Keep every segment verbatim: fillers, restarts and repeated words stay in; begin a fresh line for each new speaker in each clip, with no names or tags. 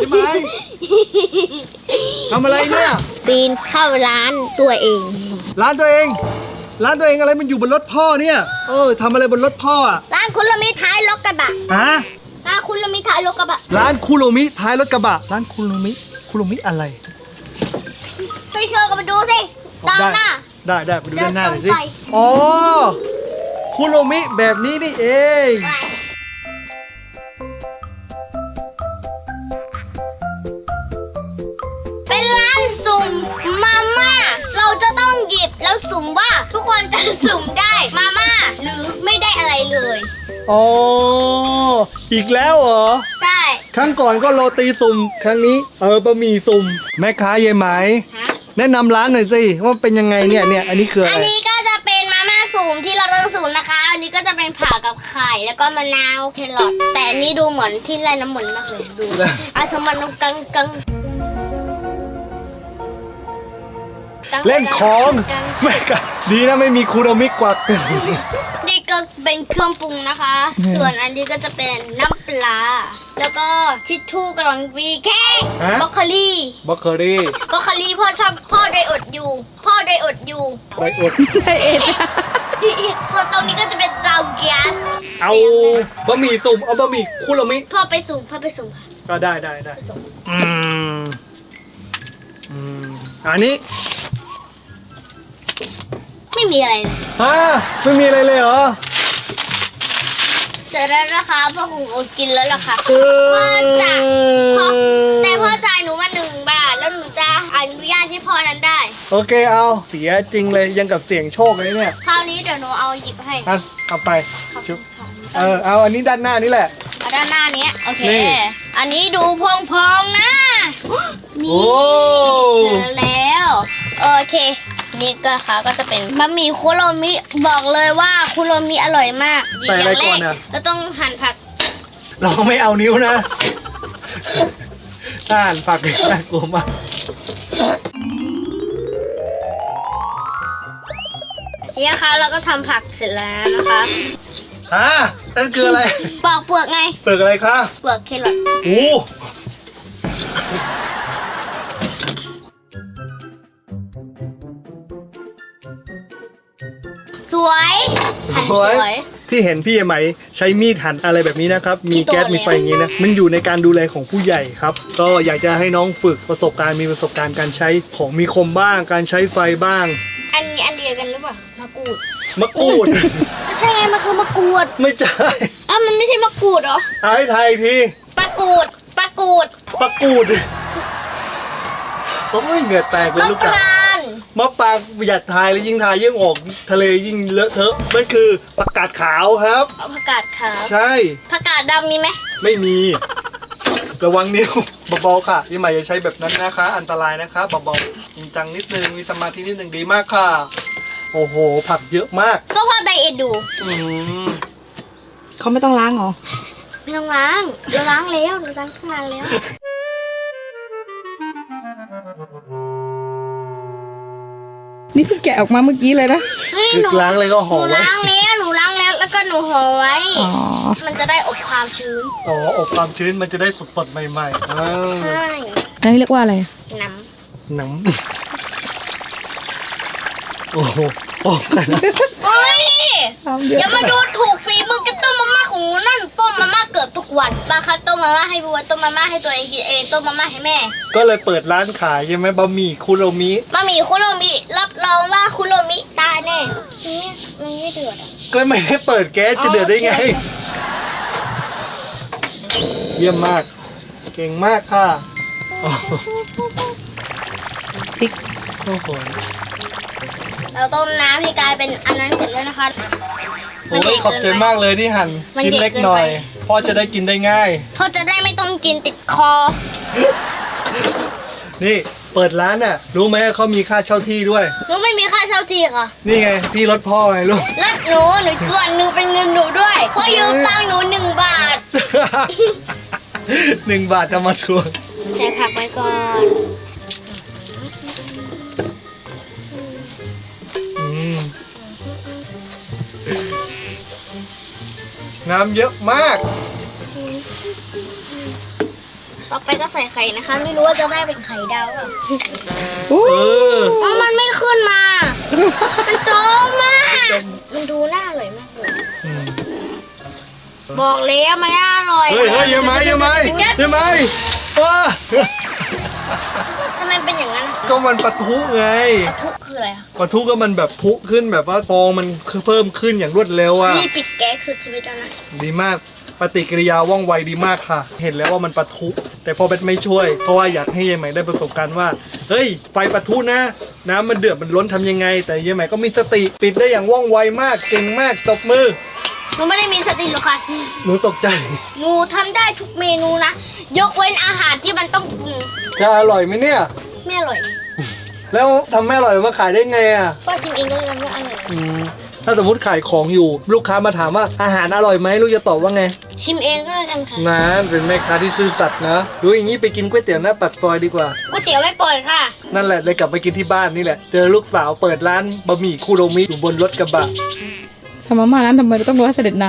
ช่ไหมทำอะไรเนี่ย
ปีนเข้าร้านตัวเอง
ร้านตัวเองร้านตัวเองอะไรมันอยู่บนรถพ่อเนี่ยเออทำอะไรบนรถพ่ออ่ะ
ร้านคุณละมีท้ายรถกระบะ
ฮะ
ร้านคุณละมีท้ายรถกระบะ
ร้านคุโรมิท้ายรถกระบะร้านคุโรมิคุโรมิอะไร
ไปเชิญกันมาดูสิตามหน้า
ได้ได้ไปดูด้านหน้าหน่อยสิอ๋อคุโรมิแบบนี้นี่เอง
เป็นร้านสุ่มมาม่าเราจะต้องหยิบแล้วสุ่มว่าทุกคนจะสุ่มได้มาม่าหรือไม่ได้อะไรเลย
อ๋ออีกแล้วเหรอ
ใช่
ครั้งก่อนก็โรตีสุ่มครั้งนี้เออบะหมี่สุ่มแม่ค้าเยไหมแนะนำร้านหน่อยสิว่าเป็นยังไงเนี่ยเนี่ยอันนี้คืออะไร
อันนี้ก็จะเป็นมาม่าสุ่มที่เราต้องสุ่มนะคะอันนี้ก็จะเป็นผักกับไข่แล้วก็มะนาวแครอทแต่อันนี้ดูเหมือนที่ไร่น้ำมันมากเลยดูอาสมันกังกัง
เล่นของไม่กะดีนะไม่มีคูโรมิกวัก
นี่ก็เป็นเครื่องปรุงนะคะส่วนอันนี้ก็จะเป็นน้ำปลาแล้วก็ทิชชู่กำลังวีแค่บล็อกโคลี่
บล็อกโคลี่
บล็อกโคลี่พ่อชอบพ่อไดอดอยู่พ่อไดอดอยู่
ไดอด
ไดเอท
ส่วนตรงนี้ก็จะเป็นเตาแก๊ส
เอาบะหมี่สุ่มเอาบะหมี่คุโรมิ
พ่อไปสุ่มพ่อไปสุ่ม
ก็ได้ได้ได้อืมอืมอันนี้
ไม่มีอะไรเลย
ฮะไม่มีอะไรเลยเหรอ
เสร็จแล้วนะคะพ่อคงอดกินแล้วล่ะค่ะพ่อจ่ายพ่อแต่พ่อจ่ายหนูมาหนึ่งบาทแล้วหนูจะอนุญาตให้พ่อนั้นได้
โอเคเอาเสียจริงเลยยังกับเสี่ยงโชคเลยเนี่ย
คราวนี้เดี๋ยวหนูเอาหยิบให้
อ่ะเอาไปชุบเออเอาอันนี้ด้านหน้านี่แหละ
เอาด้านหน้านี้โอเคอันนี้ดูพองๆนะนี่เจอแล้วโอเคนี่ก็ค่ะก็จะเป็นบะหมี่คุโรมิบอกเลยว่าคุโรมิอร่อยมาก
ใส่อะไรก่อนนะ
เราต้องหั่นผัก
เราไม่เอานิ้วนะหั่นผักน่ากลัวมาก
นี่ค่ะเราก็ทำผักเสร็จแล้วนะคะ
ฮะนั่นคืออะไร
ปอกเปลือกไง
เปลือกอะไรคะ
เปลือกแครอท
โอ้
สวย
สวยที่เห็นพี่ไหมใช้มีดหั่นอะไรแบบนี้นะครับมีแก๊สมีไฟอย่างนี้นะมันอยู่ในการดูแลของผู้ใหญ่ครับก็อยากจะให้น้องฝึกประสบการณ์มีประสบการณ์การใช้ของมีคมบ้างการใช้ไฟบ้าง
อันนี้อันเดียวกันหรือเปล่ามะกรูด
มะกรูด
ไม่ใช่ไงมันคือมะกรูด
ไม่ใช่
อ้าวมันไม่ใช่มะกรูดเหรอ
ไอ้ไทยที
ปลากรูดปลากรูด
ปลากรูดต้องไม่เหงื่อแตกเลยลูกจ๋ามะปรางหยัดทายแล้วยิ่งทายยิ่งออกทะเลยิ่งเลอะเทอะมันคือผักกาดขาวครับ
ผักกาดขาว
ใช่
ผักกาดดำมีไหม
ไม่มีระวังนิ้วเบาๆค่ะพี่ใหม่อย่าใช้แบบนั้นนะคะอันตรายนะคะเบาๆจริงจังนิดนึงมีสมาธินิดนึงดีมากค่ะโอ้โหผักเยอะมาก
ก็พอไดเอทดู
เขาไม่ต้องล้างหรอ
ไม่ต้องล้างเราล้างแล้วเราล้างตั้งนานแล้ว
นี่เพิ่งแกะออกมาเมื่อกี้เลยนะ
หนูล้างเลยก็ห่อไว้
หนูล้างแล้วหนูล้างแล้วแล้วก็หนูห่อไว้มันจะได้อบความชื้น
อ๋ออบความชื้นมันจะได้สดๆใหม่ๆ
ใช่
อันนี้เรียกว่าอะไร
น้
ำน้ำโอ้โหโอ้
ยอย่ามาดูถูกฝีมือกับต้มมาม่าของหนูนั่นต้มมาม่าเกือบทุกวันบางครั้งต้มมาม่าให้บัวต้มมาม่าให้ตัวเองกินเองต้มมาม่าให้แม่
ก็เลยเปิดร้านขายใช่ไหมบะหมี่คุโรมิ
บะหมี่คุโรมิรับรองว่าคุโรมิตายแน่นี่มันไม่เดือด
ก็ไม่ได้เปิดแก๊สจะเดือดได้ไงเยี่ยมมากเก่งมากค่ะ
พริก
โอ้โห
เราต้มน้ำให้กลายเป็นอันนั้นเสร็จแล้วนะคะ
โอ้ยขอบใจมากเลยที่หั่นชิ้นเล็กหน่อยพ่อจะได้กินได้ง่าย
พ่อจะได้ไม่ต้องกินติดคอ
นี่เปิดร้านน่ะรู้ไหมเขามีค่าเช่าที่ด้วย
หนูไม่มีค่าเช่าที่ค่ะ
นี่ไงที่รถพ่อไงลูก
รถหนูหนูส่วนหนึ่งเป็นเงินหนูด้วยพ่อยืมตังค์หนูหนึ่งบาท
หนึ่งบาทจะมาทวง
ใส่ผักไว้ก่อน
น้ำเยอะมาก
ต่อไปก็ใส่ไข่นะคะ ไม่รู้ว่าจะได้เป็นไข่ดาวหรือเปล่า
โอ้
เออ
อ๋อมันไม่ขึ้นมา มันจมมากมันดูน่าอร่อยมากเลย
อืม
บอกแล้วมันน่าอร่อย
เฮ้ยเฮ้ยยังไงยังไงยังไงว้า
ทำไมเป็นอย่างนั้น
ก็มันปะทุไง
ทุกคืออะไรอะ
ปะทุก็มันแบบพุขึ้นแบบว่าฟองมันเพิ่มขึ้นอย่างรวดเร็วอ่ะ
นี่ปิดแก๊สสุดชีวิตแล้วนะ
ดีมากปฏิกิริยาว่องไวดีมากค่ะ เห็นแล้วว่ามันปะทุแต่พอเบ็ดไม่ช่วย เพราะว่าอยากให้ยายใหม่ได้ประสบการณ์ว่าเฮ้ยไฟปะทุนะ น้ำมันเดือดมันล้นทำยังไง แต่ยายใหม่ก็มีสติปิดได้อย่างว่องไวมากเก่งมากตบมือ
หนูไม่ได้มีสติหรอกค่ะ
หนูตกใจ
หนูทำได้ทุกเมนูนะ ยกเว้นอาหารที่มันต้องปรุง
จะอร่อยไหมเนี่ย
ไม่อร่อย
แล้วทำไม่อร่อยมาขายได้ไงอ่ะ
ป้าชิมเองก็เลยทำไม่อร่อย
อืมถ้าสมมติขายของอยู่ ลูกค้ามาถามว่าอาหารอร่อยไหมลูกจะตอบว่าไง
ชิมเองก็เลยกันค่ะ
นะเป็นแม่ค้าที่ซื่อสัตย์นะรู้อย่างนี้ไปกินก๋วยเตี๋ยวหน้าปากซอยดีกว่า
ก๋วยเตี๋ยวไม่เปิดค่ะ
นั่นแหละเลยกลับไปกินที่บ้านนี่แหละ เจอลูกสาวเปิดร้านบะหมี่คุโรมิอยู่บนรถกระบะ
ทำมาม่านั้นทำไมเราต้องรอให้เสด็จน้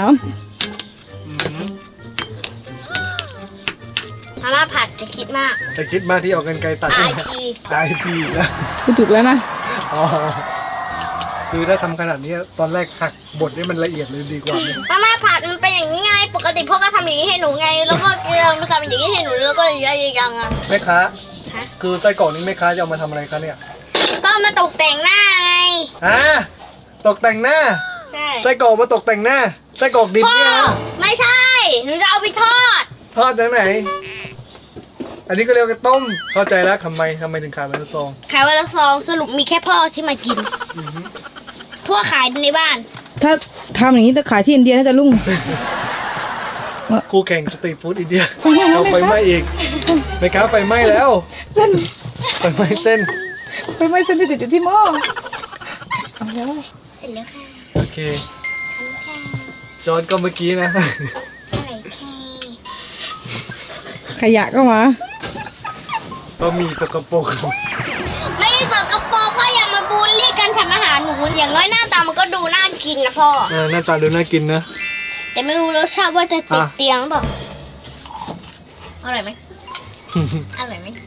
มาม่าผัดจะคิดมาก
แต่คิดมากที่เอากันไกลตัด
ไอ
นะ
พี
ตายพี่นะ
ำกูถูกแล้วนะ
อ๋อคือถ้าทำขนาดนี้ตอนแรกหักบทให้มันละเอียดเลยดีกว่าไหม
มาม่าผัดมันเป็นอย่างนี้ไง ปกติพ่อก็ทำอย่างนี้ให้หนูไง แล้วก็เราทำอย่างนี้ให้หนูแล้วก็อย่างนี้ยังอ่ะ
แม่ค้า
ฮะ
คือไส้กรอกนี้แม่ค้าจะเอามาทำอะไรคะเนี่ย
ก็มาตกแต่งหน้าไง
อ่าตกแต่งหน้า
ใช่
ไส้กรอกมาตกแต่งหน้าไส้กรอกดิบ
พ่อ
เนี่ยนะ
ไม่ใช่ หนูจะเอาไปทอด
ทอดจากไหน อันนี้ก็เรียกว่าต้มเข้าใจแล้วทำไมทำไมถึงขายเป็นซอง
ขายวันละซองสรุปมีแค่พ่อที่มากิน
อือฮึ
พวกขายในบ้าน
ถ้าทำอย่างนี้จะขายที่อินเดียน่าจะรุ่ง
คู่แข่งสตรีทฟู้ดอินเดีย
ไฟไหม้แล้ว
เอาไฟไหม้อีกแม่ค้าไฟไหม้แล้ว
เส้น
ไฟไหม้เส้น
ไฟไหม้เส้นที่ติดอยู่ที่หม้อเอาแล้ว
เสร็จแล้วค่ะ
โอเค
ฉันแค่
จอนก็เมื่อกี้นะ
ใส่แค่
ขยะก็มา
ก็มีสกปรก
ไม่ได้สกปรกพ่ออย่ามาบูลลี่กันทำอาหารหนูอย่างน้อยหน้าตามันก็ดูน่ากินนะพ่อ
เออหน้าตาดูน่ากินนะ
แต่ไม่รู้รสชาติว่าจะติด
อ่ะ
เตียงหรือเปล่าอร่อยไหมอร่อยไหม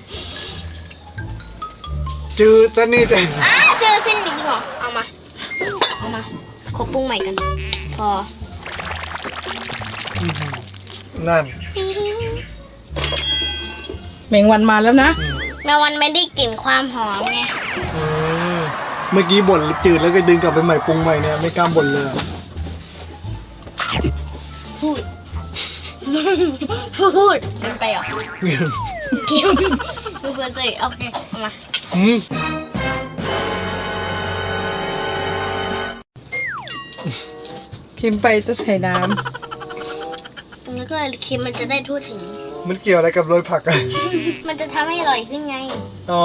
จืดซะนี่แต่
อ้าเจอเส้นนิดนึงเหรอเอามาเอามาขอปรุงใหม่กัน พอ
นั่น
แมงวันมาแล้วนะ
แม้วันไม่ได้กลิ่นความหอมไง
อืมเมื่อกี้บ่นจืดแล้วก็ดึงกลับไปใหม่ปรุงใหม่เนี่ยไม่กล้าบ่นเลยอะ
พูด พูดมันไปเหรอเกี่ยวดูเพื่อนสิโอเคเอามา
อืม
เค็มไปจะใส่น้
แล้วก็เค็มมันจะได้ทั่วถึง
มันเกี่ยวอะไรกับโรยผักอะ
มันจะทำให้อร่อยขึ้นไง
อ๋อ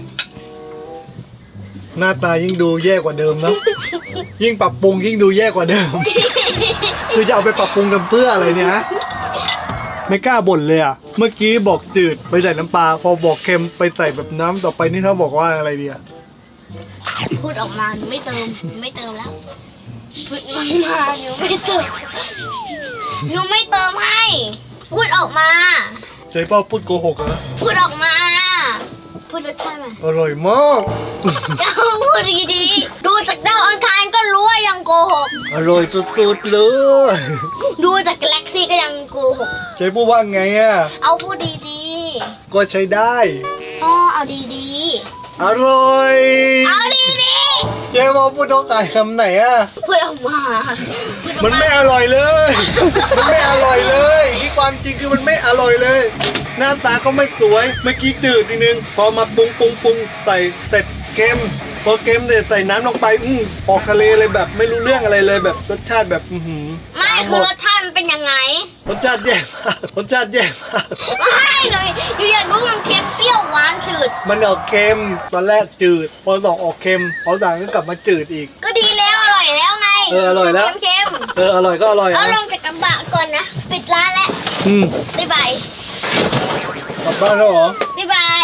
หน้าตายิ่งดูแย่กว่าเดิมนะยิ่งปรับปรุงยิ่งดูแย่กว่าเดิม คือจะเอาไปปรับปรุงกันเพื่ออะไรเนี่ยฮะไม่กล้าบ่นเลยอ่ะ เมื่อกี้บอกจืดไปใส่น้ำปลาพอบอกเค็มไปใส่แบบน้ำต่อไปนี่ถ้าบอกว่าอะไรดีอ่ะ
พูดออกมาหนูไม่เติมหนูไม่เติมแล้วพูดออกมาหนูไม่เติมหนูไม่เติมให้พูดออกมา
ใจเป้าพูดโกหกเหรอ
พูดออกมา พูดรสชาติมา
อร่อยมาก
เอาพูดดีๆดูจากดาวอังคารก็รู้ว่ายังโกหก
อร่อยสุดๆเลย
ดูจากกาแล็กซี่ก็ยังโกหก
ใจพูดว่าไงอ่ะ
เอาพูดดี
ก็ใช้ได้
ๆอ๋อเอาดี
อร่อย
ๆเอาดี
เจ๊บอกพูดต้องขายคำไหนอ่ะ
ๆพูดออกมาพูดออก
มันไม่อร่อยเลย มันไม่อร่อยเลยที่ความจริงคือมันไม่อร่อยเลย หน้าตาก็ไม่สวย เมื่อกี้จืดนิดนึง พอมาปรุงปรุงปรุงใส่เสร็จเค็ม พอเค็มเสร็จใส่น้ำลงไป อือออกทะเลเลยแบบไม่รู้เรื่องอะไรเลยแบบรสชาติแบบอือหือ
ไม่คือรสชาติมันเป็นยังไง
รสชาติแย่มาก รสชาติแย่มาก
ไม่เลยหนูอยากรู้มันเค็มเปรี้ยวหวานจืด
มันออกเค็ม ตอนแรกจืด พอสองออกเค็ม พอสามก็กลับมาจืดอีก
ก็ดีแล้วอร่อยแล้วไง
เอออร่อยแล้ว
เค็ม
เอออร่อยก็อร่อย
ๆเอา
อ่ะ
ลงจากกระบะก่อนนะ ปิดร้านแล้ว
อืม
บ๊ายบาย
กลับบ้านแล้วเหรอ
บ๊ายบาย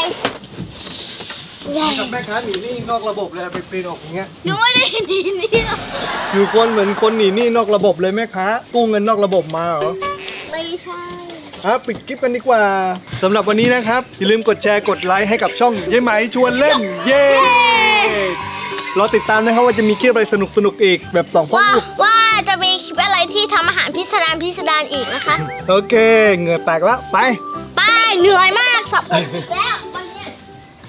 กับแม่ค้าหนีหนี้นอกระบบเลยไปปีนออกอย่างเงี้ย
หนูไม่ได้หนีนี่หรอก
อยู่คนเหมือนคนหนีหนี้นอกระบบเลยแม่ค้ากู้เงินนอกระบบมาเหรอ
ไม่รใช่
อ่ะปิดคลิปกันดีกว่าสำหรับวันนี้นะครับอย่าลืมกดแชร์กดไลค์ให้กับช่องยายไหมชวนเล่นเย้รอติดตามนะครับว่าจะมีคลิปอะไรสนุกๆอีกแบบสองพ่อ
ว่า
ลูก
ว่าจะมีคลิปอะไรที่ทำอาหารพิสดารพิสดารอีกนะคะ
โอเคเหงื่อแตกแล้วไป
ไปเหนื่อยมากสับปะรดอีกแล้ว